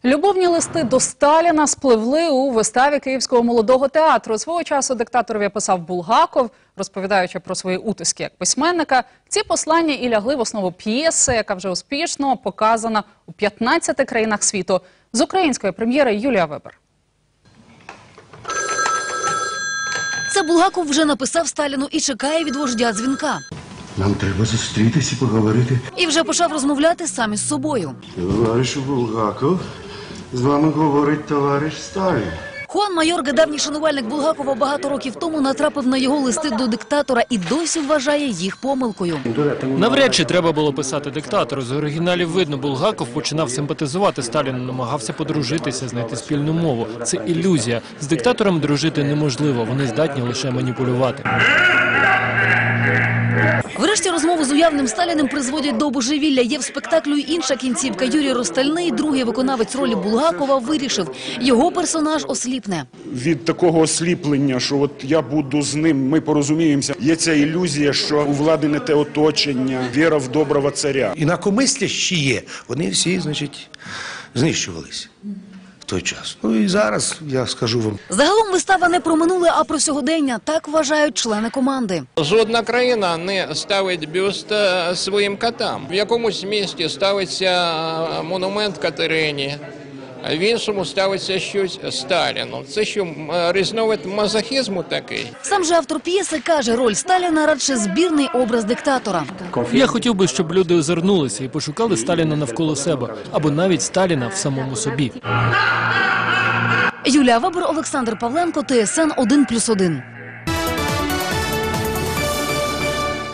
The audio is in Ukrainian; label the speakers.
Speaker 1: Любовні листи до Сталіна спливли у виставі Київського молодого театру. Свого часу диктаторові писав Булгаков, розповідаючи про свої утиски як письменника. Ці послання і лягли в основу п'єси, яка вже успішно показана у 15 країнах світу. З української прем'єри Юлія Вебер.
Speaker 2: Це Булгаков вже написав Сталіну і чекає від вождя дзвінка.
Speaker 3: Нам треба зустрітися і поговорити.
Speaker 2: І вже почав розмовляти сам із собою.
Speaker 3: Товаришу Булгаков, з вами говорить товариш Сталін.
Speaker 2: Хуан Майорга, давній шанувальник Булгакова, багато років тому натрапив на його листи до диктатора і досі вважає їх помилкою.
Speaker 4: Навряд чи треба було писати диктатору. З оригіналів видно, Булгаков починав симпатизувати Сталіну, намагався подружитися, знайти спільну мову. Це ілюзія. З диктатором дружити неможливо, вони здатні лише маніпулювати.
Speaker 2: Врешті розмову з уявним Сталіним призводять до божевілля. Є в спектаклю й інша кінцівка. Юрій Ростальний, другий виконавець ролі Булгакова, вирішив – його персонаж осліпне.
Speaker 5: Від такого осліплення, що от я буду з ним, ми порозуміємося, є ця ілюзія, що у влади не те оточення, віра в доброго царя.
Speaker 6: Інакомислящі є, вони всі, значить, знищувалися в той час. Ну і зараз, я скажу вам.
Speaker 2: Загалом вистава не про минуле, а про сьогодення. Так вважають члени команди.
Speaker 7: Жодна країна не ставить бюст своїм котам. В якомусь місті ставиться монумент Катерині, а в іншому ставиться щось Сталіну. Це що, різновид мазохізму такий?
Speaker 2: Сам же автор п'єси каже, роль Сталіна радше збірний образ диктатора.
Speaker 4: Я хотів би, щоб люди озирнулися і пошукали Сталіна навколо себе, або навіть Сталіна в самому собі.
Speaker 2: Юлія Вебер, Олександр Павленко, ТСН 1+1.